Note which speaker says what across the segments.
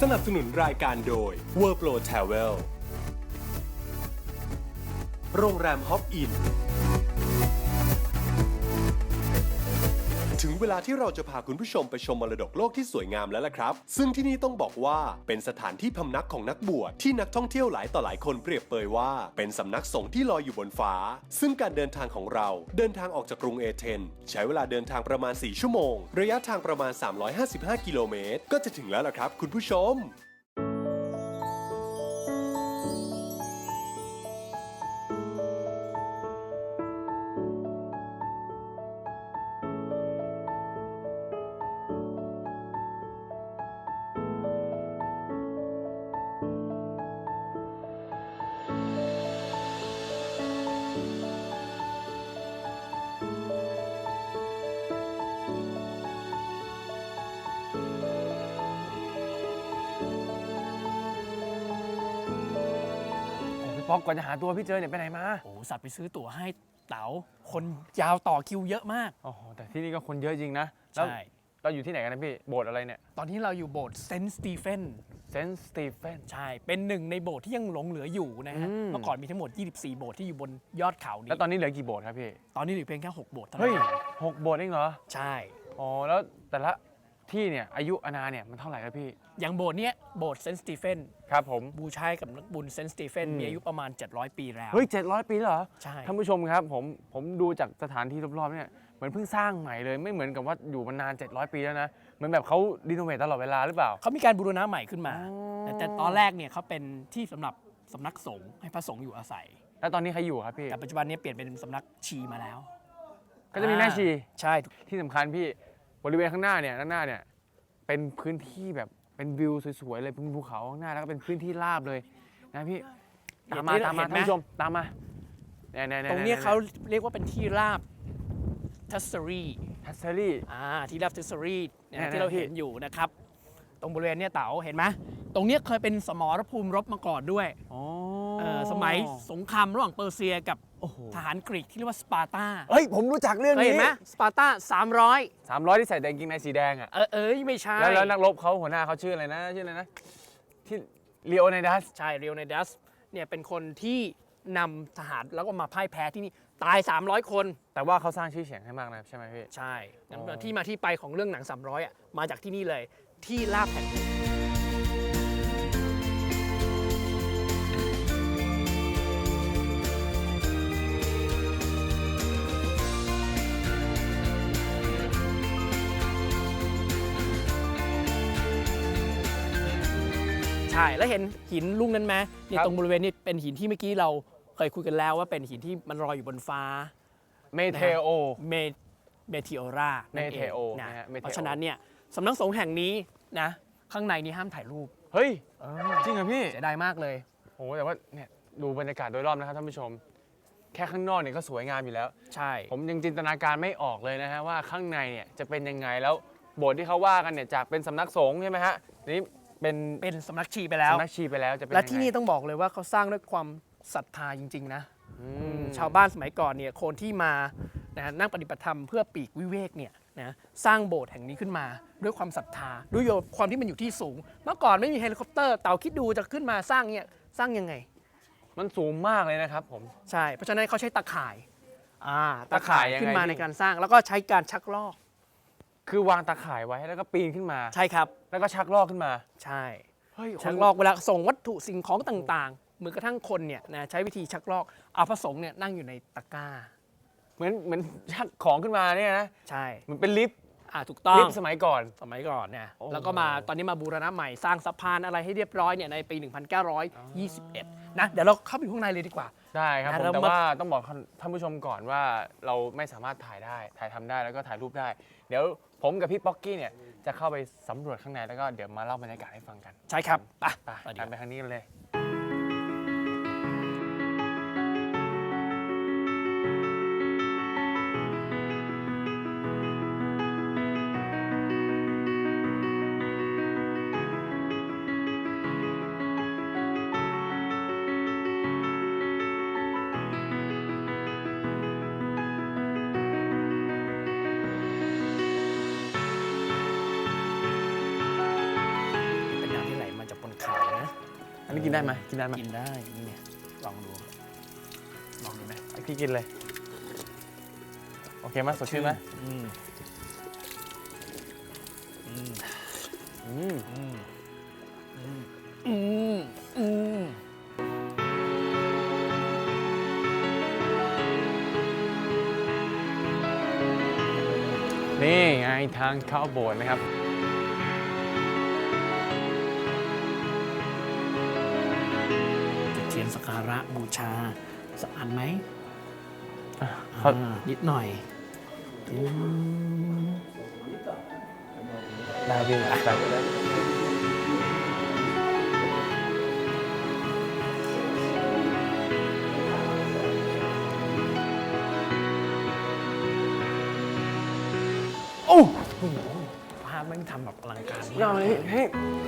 Speaker 1: สนับสนุนรายการโดย Worldpro Travel โรงแรมฮอปอินถึงเวลาที่เราจะพาคุณผู้ชมไปชมมรดกโลกที่สวยงามแล้วล่ะครับซึ่งที่นี่ต้องบอกว่าเป็นสถานที่พำนักของนักบวชที่นักท่องเที่ยวหลายต่อหลายคนเปรียบเปยว่าเป็นสำนักสงฆ์ที่ลอยอยู่บนฟ้าซึ่งการเดินทางของเราเดินทางออกจากกรุงเอเธนใช้เวลาเดินทางประมาณ4ชั่วโมงระยะทางประมาณ355กิโลเมตรก็จะถึงแล้วล่ะครับคุณผู้ชม
Speaker 2: ป๊อกก่อนจะหาตัวพี่เจอเนี่ยไปไหนมา
Speaker 3: โอ้สัตว์ไปซื้อตั๋วให้เต๋าคนยาวต่อคิวเยอะมาก
Speaker 2: โอ้โหแต่ที่นี่ก็คนเยอะจริงนะแล้ว
Speaker 3: ใช่
Speaker 2: เราอยู่ที่ไหนกันนะพี่โบสถ์อะไรเนี่ย
Speaker 3: ตอนนี้เราอยู่โบสถ์เซนต์สตีเฟน
Speaker 2: เซนต์สตีเฟน
Speaker 3: ใช่เป็นหนึ่งในโบสถ์ที่ยังหลงเหลืออยู่นะฮะเมื่อก่อนมีทั้งหมด24โบสถ์ที่อยู่บนยอดเขานี้
Speaker 2: แล้วตอนนี้เหลือกี่โบสถ์ครับพี่
Speaker 3: ตอนนี้เหลือเพียงแค่6โบสถ์เท่านั้
Speaker 2: เฮ้ย
Speaker 3: น
Speaker 2: 6โบสถ์เองเหรอ
Speaker 3: ใช่
Speaker 2: อ๋อแล้วแต่ละที่เนี่ยอายุอาณาเนี่ยมันเท่าไหร่ครับพี่
Speaker 3: อย่างโบสถ์เนี้ยโบสถ์เซนต์สตีเฟน
Speaker 2: ครับผม
Speaker 3: บูชากับนักบุญเซนต์สตีเฟนมีอายุประมาณ700ปีแล้ว
Speaker 2: เฮ้ย700ปีเหรอ
Speaker 3: ใช่
Speaker 2: ท่านผู้ชมครับผมดูจากสถานที่รอบๆเนี่ยเหมือนเพิ่งสร้างใหม่เลยไม่เหมือนกับว่าอยู่มานาน700ปีแล้วนะเหมือนแบบเขารีโนเวทตลอดเวลาหรือเปล่า
Speaker 3: เขามีการบูรณะใหม่ขึ้นมาแต่ตอนแรกเนี่ยเขาเป็นที่สำหรับสำนักสงฆ์ให้พระสงฆ์อยู่อาศัย
Speaker 2: แล้วตอนนี้ใครอยู่ครับพี่
Speaker 3: แต่ปัจจุบันนี้เปลี่ยนเป็นสำนักชีมาแล้ว
Speaker 2: ก็จะมีแม่ชี
Speaker 3: ใช่
Speaker 2: ที่สำคัญพี่บริเวณข้างหน้าเนี่ยด้านหน้าเนี่ยเป็นพื้นที่แบบเป็นวิวสวยๆเลยเป็นภูเขาข้างหน้าแล้วก็เป็นพื้นที่ราบเลยนะพี่ตามมาท่านผู้ชมตามมา
Speaker 3: ตรงนี้เขาเรียกว่าเป็นที่ราบทัสเซอรี่ที่ราบทัสเซอรี่ที่เราเห็นอยู่นะครับตรงบริเวณนี้เต๋าเห็นไหมตรงนี้เคยเป็นสมรภูมิรบมาก่อนด้วยสมัยสงครามระหว่างเปอร์เซียกับทหารกรีกที่เรียกว่าสปาร์ตา
Speaker 2: เฮ้ยผมรู้จักเรื่องนี้
Speaker 3: เห็นไหมสปาร์ตา300
Speaker 2: ที่ใส่กางเกงในสีแดงอ่ะ
Speaker 3: ไม่ใช่
Speaker 2: แล้วนักรบเขาหัวหน้าเขาชื่ออะไรนะที่ลีโอไนดัส
Speaker 3: ใช่ลีโอไนดัสเนี่ยเป็นคนที่นำทหารแล้วก็มาพ่ายแพ้ที่นี่ตาย300คน
Speaker 2: แต่ว่าเขาสร้างชื่อเสียงให้มากนะใช่ไหมพี่
Speaker 3: ใช่ที่มาที่ไปของเรื่องหนัง300มาจากที่นี่เลยที่ลาบแผ่นดินใช่แล้วเห็นหินลูกนั้นไหมนี่ตรงบริเวณนี้เป็นหินที่เมื่อกี้เราเคยคุยกันแล้วว่าเป็นหินที่มันลอยอยู่บนฟ้า
Speaker 2: เมเทโอ
Speaker 3: รานะเพราะฉะนั้นเนี่ยสำนักสงฆ์แห่งนี้นะข้างในนี้ห้ามถ่ายรูป
Speaker 2: เฮ้ยจริงเหรอพี่
Speaker 3: เสียดายมากเลย
Speaker 2: โอ้แต่ว่าเนี่ยดูบรรยากาศโดยรอบนะครับท่านผู้ชมแค่ข้างนอกเนี่ยก็สวยงามอยู่แล้ว
Speaker 3: ใช่
Speaker 2: ผมยังจินตนาการไม่ออกเลยนะฮะว่าข้างในเนี่ยจะเป็นยังไงแล้วโบสถ์ที่เขาว่ากันเนี่ยจากเป็นสำนักสงฆ์ใช่ไหมฮะนี่
Speaker 3: เป็นสำนักชีไปแล้ว
Speaker 2: จะเป็น
Speaker 3: และที่นี่ต้องบอกเลยว่าเขาสร้างด้วยความศรัทธาจริงๆนะชาวบ้านสมัยก่อนเนี่ยคนที่มานั่งปฏิบัติธรรมเพื่อปีกวิเวกเนี่ยนะสร้างโบสถ์แห่งนี้ขึ้นมาด้วยความศรัทธาด้วยความที่มันอยู่ที่สูงเมื่อก่อนไม่มีเฮลิคอปเตอร์เต่าคิดดูจะขึ้นมาสร้างเนี่ยสร้างยังไง
Speaker 2: มันสูงมากเลยนะครับผม
Speaker 3: ใช่เพราะฉะนั้นเขาใช้ตะข่ายขึ้นมาในการสร้างแล้วก็ใช้การชักลอก
Speaker 2: คือวางตะข่ายไว้แล้วก็ปีนขึ้นมา
Speaker 3: ใช่ครับ
Speaker 2: แล้วก็ชักลอกขึ้นมา
Speaker 3: ใช่ชักลอกเวลาส่งวัตถุสิ่งของต่างๆเหมือนกระทั่งคนเนี่ยนะใช้วิธีชักลอกเอาพระสงฆ์เนี่ยนั่งอยู่ในตะกร้า
Speaker 2: เหมือนชักของขึ้นมาเนี่ยนะ
Speaker 3: ใช่
Speaker 2: มันเป็นลิฟต์
Speaker 3: ถูกต้อง
Speaker 2: ลิฟต์สมัยก่อน
Speaker 3: เนี่ยแล้วก็มาตอนนี้มาบูรณะใหม่สร้างสะพานอะไรให้เรียบร้อยเนี่ยในปี 1921 นะเดี๋ยวเราเข้าไปข้างในเลยดีกว่า
Speaker 2: ได้ครับผมแต่ว่าต้องบอกท่านผู้ชมก่อนว่าเราไม่สามารถถ่ายทำได้แล้วก็ถ่ายรูปได้เดี๋ยวผมกับพี่ป๊อกกี้เนี่ยจะเข้าไปสำรวจข้างในแล้วก็เดี๋ยวมาเล่าบรรยากาศให้ฟังกัน
Speaker 3: ใช่ครับ
Speaker 2: ไปทางนี้เลย
Speaker 3: ม
Speaker 2: นนี้กินได้ไหมกินได้ไหม
Speaker 3: กินได้นี่ไงลองดูไหม
Speaker 2: พี่กินเลยโอเคไหมสดชื่นไหม
Speaker 3: อืม
Speaker 2: นี่ไงทางเข้าโบสถ์นะครับ
Speaker 3: จุดเทียนสักการะบูชาสักอันไหม
Speaker 2: เขา
Speaker 3: นิดหน่อย
Speaker 2: ได้พี่ไปโอ้
Speaker 3: ภาพมันทำแบบอลังการ
Speaker 2: ยอดเลยเฮ้ย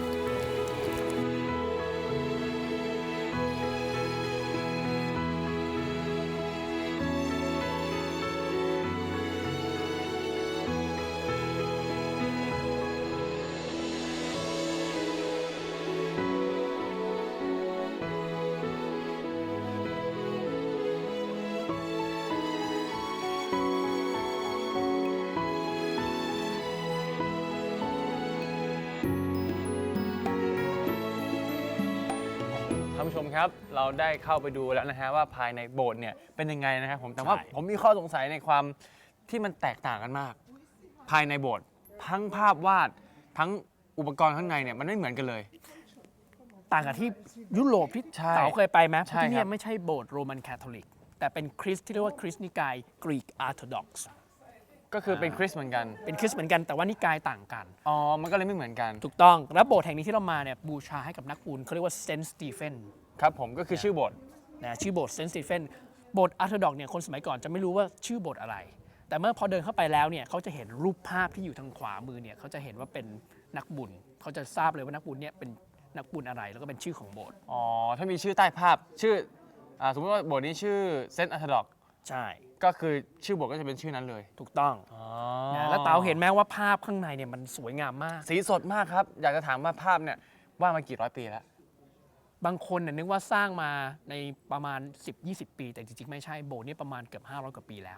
Speaker 2: ท่านผู้ชมครับเราได้เข้าไปดูแล้วนะฮะว่าภายในโบสถ์เนี่ยเป็นยังไงนะครับผมแต่ว่าผมมีข้อสงสัยในความที่มันแตกต่างกันมาก ภายในโบสถ์ทั้งภาพวาดทั้งอุปกรณ์ข้างในเนี่ยมันไม่เหมือนกันเลย
Speaker 3: ต่างกับที่ยุโรปที่
Speaker 2: ใช่
Speaker 3: เต๋าเคยไปไหม
Speaker 2: ใช่
Speaker 3: ที่
Speaker 2: ค
Speaker 3: เนี่
Speaker 2: รั
Speaker 3: ย
Speaker 2: บ
Speaker 3: ไม่ใช่โบสถ์โรมันคาทอลิกแต่เป็นคริสต์ที่เรียกว่าคริสต์นิกายกรีกอ r ร์โธดอกซ์
Speaker 2: ก็คือเป็นคริสต์เหมือนกัน
Speaker 3: เป็นคริสต์เหมือนกันแต่ว่านิกายต่างกัน
Speaker 2: อ๋อมันก็เลยไม่เหมือนกัน
Speaker 3: ถูกต้องแล้วโบสถ์แห่งนี้ที่เรามาเนี่ยบูชาให้กับนักบุญเขาเรียกว่าเซนต์สตีเฟน
Speaker 2: ครับผมก็คือชื่อโบสถ์
Speaker 3: นะชื่อโบสถ์เซนต์สตีเฟนโบสถ์อ r ร์โธดอกเนี่ยคนสมัยก่อนจะไม่รู้ว่าชื่อโบสถ์อะไร แต่เมื่อพอเดินเข้าไปแล้วเนี่ยเขาจะเห็นรูปภาพที่อยู่ทางขวามือเนี่ยเขาจะเห็นว่าเป็นนักบุญเขาจะทราบเลยว่านักบุญเนี่ยเป็นนักบุญอะไรแล้วก็เป็นชื่อของโบสถ์
Speaker 2: อ๋อถ้ามีชื่อใต้ภาพชื่อสมมติว่าโบสถ์นี้ชื่อเซนต์อัธดอก
Speaker 3: ใช่
Speaker 2: ก็คือชื่อโบสถ์ก็จะเป็นชื่อนั้นเลย
Speaker 3: ถูกต้อง
Speaker 2: อ๋อ
Speaker 3: นะแล้วเต๋าเห็นไหมว่าภาพข้างในเนี่ยมันสวยงามมาก
Speaker 2: สีสดมากครับ อยากจะถามว่าภาพเนี่ยวาดมากี่ร้อยปีแล้ว
Speaker 3: บางคนเนี่ยนึกว่าสร้างมาในประมาณ 10-20 ปี แต่จริงๆ ไม่ใช่โบสถ์นี่ประมาณเกือบ500 กว่าปีแล้ว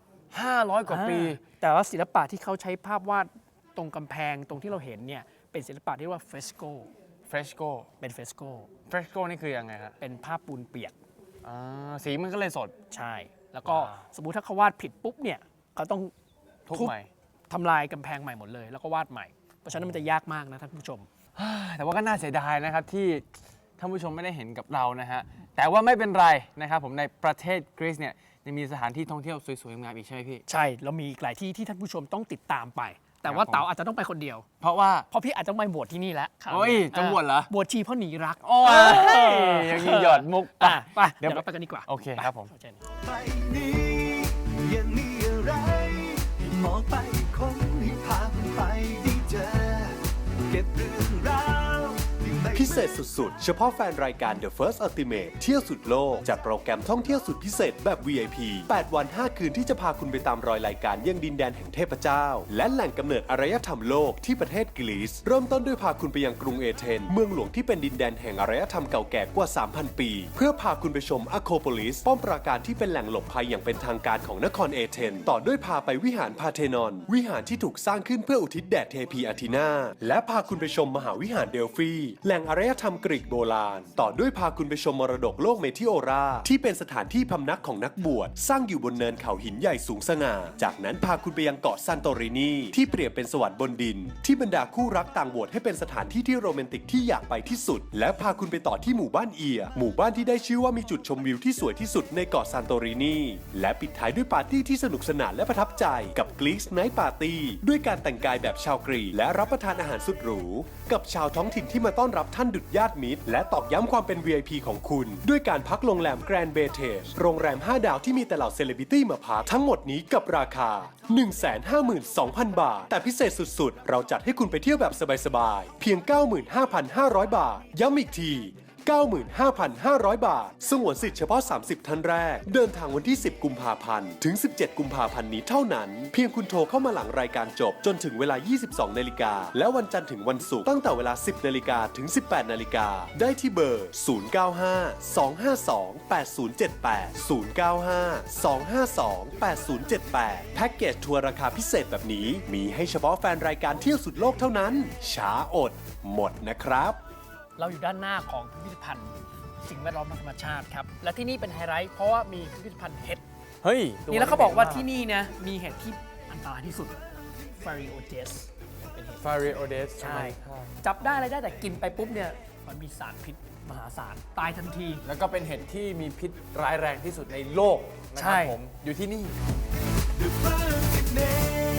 Speaker 2: 500 กว่าปี
Speaker 3: แต่ว่าศิลปะที่เขาใช้ภาพวาดตรงกำแพงตรงที่เราเห็นเนี่ยเป็นศิลปะที่เรียกว่าเฟสโก
Speaker 2: เฟรชโก
Speaker 3: เป็นเฟสโก
Speaker 2: เฟรชโกนี่คือยังไงครับ
Speaker 3: เป็นภาพปูนเปียก
Speaker 2: สีมันก็เลยสด
Speaker 3: ใช่ แล้วก็
Speaker 2: ว้าว
Speaker 3: สมมุติถ้าเขาวาดผิดปุ๊บเนี่ยเขาต้อง
Speaker 2: ทุก
Speaker 3: ทุบ
Speaker 2: ใหม่
Speaker 3: ทำลายกำแพงใหม่หมดเลย แล้วก็วาดใหม่ เพราะฉะนั้นมันจะยากมากนะท่านผู้ชม
Speaker 2: แต่ว่าก็น่าเสียดายนะครับที่ท่านผู้ชมไม่ได้เห็นกับเรานะฮะแต่ว่าไม่เป็นไรนะครับผมในประเทศกรีซเนี่ยยังมีสถานที่ท่องเที่ยวสวยๆงามอีกใช่ไหมพี่
Speaker 3: ใช่เรามีอีกหลายที่ที่ท่านผู้ชมต้องติดตามไป แต่ว่า
Speaker 2: ครับผม
Speaker 3: เต๋าอาจจะต้องไปคนเดียว
Speaker 2: เพราะว่า
Speaker 3: เพราะพี่อาจจะไม่บวชที่นี่แล้วคราวนี้
Speaker 2: โอ้ยจะบวชเหรอ
Speaker 3: บวชชีเพราะหนีรัก
Speaker 2: โอ้ยยังมีหยอดมุก
Speaker 3: ไป
Speaker 2: เดี๋
Speaker 3: เดี๋
Speaker 2: ย
Speaker 3: ยว วเราไปกันดีกว่า
Speaker 2: โอเคครับผม
Speaker 3: เชิญ
Speaker 4: ไปนี้ยังมีอะไรมองไปคนให้พาไปได้เจอเก็บเรื่องราวที่ไม่
Speaker 1: พิเศษสุดๆ เฉพาะแฟนรายการ The First Ultimate เที่ยวสุดโลกจัดโปรแกรมท่องเที่ยวสุดพิเศษแบบ VIP 8 วัน 5 คืนที่จะพาคุณไปตามรอยรายการยังดินแดนแห่งเทพเจ้า และแหล่งกำเนิดอารยธรรมโลกที่ประเทศกรีซ เริ่มต้นด้วยพาคุณไปยังกรุงเอเธนเมืองหลวงที่เป็นดินแดนแห่งอารยธรรมเก่าแก่กว่า 3,000 ปี เพื่อพาคุณไปชมอะโคโปลิสป้อมปราการที่เป็นแหล่งหลบภัยอย่างเป็นทางการของนครเอเธนต่อด้วยพาไปวิหารพาเทนอน วิหารที่ถูกสร้างขึ้นเพื่ออุทิศแด่เทพีอาทีนาและพาคุณไปชมมหาวิหารเดลฟีแหล่งอารยธรรมกรีกโบราณต่อด้วยพาคุณไปชมมรดกโลกเมทิโอราที่เป็นสถานที่พำนักของนักบวชสร้างอยู่บนเนินเขาหินใหญ่สูงสง่าจากนั้นพาคุณไปยังเกาะซันโตรินีที่เปรียบเป็นสวรรค์บนดินที่บรรดาคู่รักต่างโหวตให้เป็นสถานที่ที่โรแมนติกที่อยากไปที่สุดและพาคุณไปต่อที่หมู่บ้านเอียหมู่บ้านที่ได้ชื่อว่ามีจุดชมวิวที่สวยที่สุดในเกาะซันโตรินีและปิดท้ายด้วยปาร์ตี้ที่สนุกสนานและประทับใจกับกรีซไนท์ปาร์ตี้ด้วยการแต่งกายแบบชาวกรีกและรับประทานอาหารสุดหรูกับชาวท้องถิ่นที่มาต้อนรับท่านดุจญาติมิตรและตอกย้ำความเป็น VIP ของคุณด้วยการพักโรงแรมแกรนด์เบเทจโรงแรม 5 ดาวที่มีแต่เหล่าเซเลบริตี้มาพักทั้งหมดนี้กับราคา 152,000 บาทแต่พิเศษสุดๆเราจัดให้คุณไปเที่ยวแบบสบายๆเพียง 95,500 บาทย้ำอีกที 95,500 บาทสงวนสิทธิ์เฉพาะ 30 ท่านแรกเดินทางวันที่ 10 กุมภาพันธ์ถึง 17 กุมภาพันธ์นี้เท่านั้นเพียงคุณโทรเข้ามาหลังรายการจบจนถึงเวลา 22 นาฬิกาและวันจันทร์ถึงวันศุกร์ตั้งแต่เวลา 10 นาฬิกาถึง 18 นาฬิกาได้ที่เบอร์ 095-252-8078 แพ็กเกจทัวร์ราคาพิเศษแบบนี้มีให้เฉพาะแฟนรายการเที่ยวสุดโลกเท่านั้นช้าอดหมดนะครับ
Speaker 3: เราอยู่ด้านหน้าของพิพิธภัณฑ์สิ่งแวดล้อมทางธรรมชาติครับ และที่นี่เป็นไฮไลท์เพราะว่ามีพิพิธภัณฑ์เห็ด
Speaker 2: เฮ้ย
Speaker 3: นี่แล้วเขาบอกว่าที่นี่นะมีเห็ดที่อันตรายที่สุด Phariodes เป็นเห็ด
Speaker 2: ฟาริโอเดส
Speaker 3: ใช่ จับได้อะไรได้แต่กินไปปุ๊บเนี่ยมันมีสารพิษมหาศาลตายทันที
Speaker 2: แล้วก็เป็นเห็ดที่มีพิษร้ายแรงที่สุดในโลกนะค
Speaker 3: ใช่
Speaker 2: รับผมอยู่ที่นี่
Speaker 4: The perfect name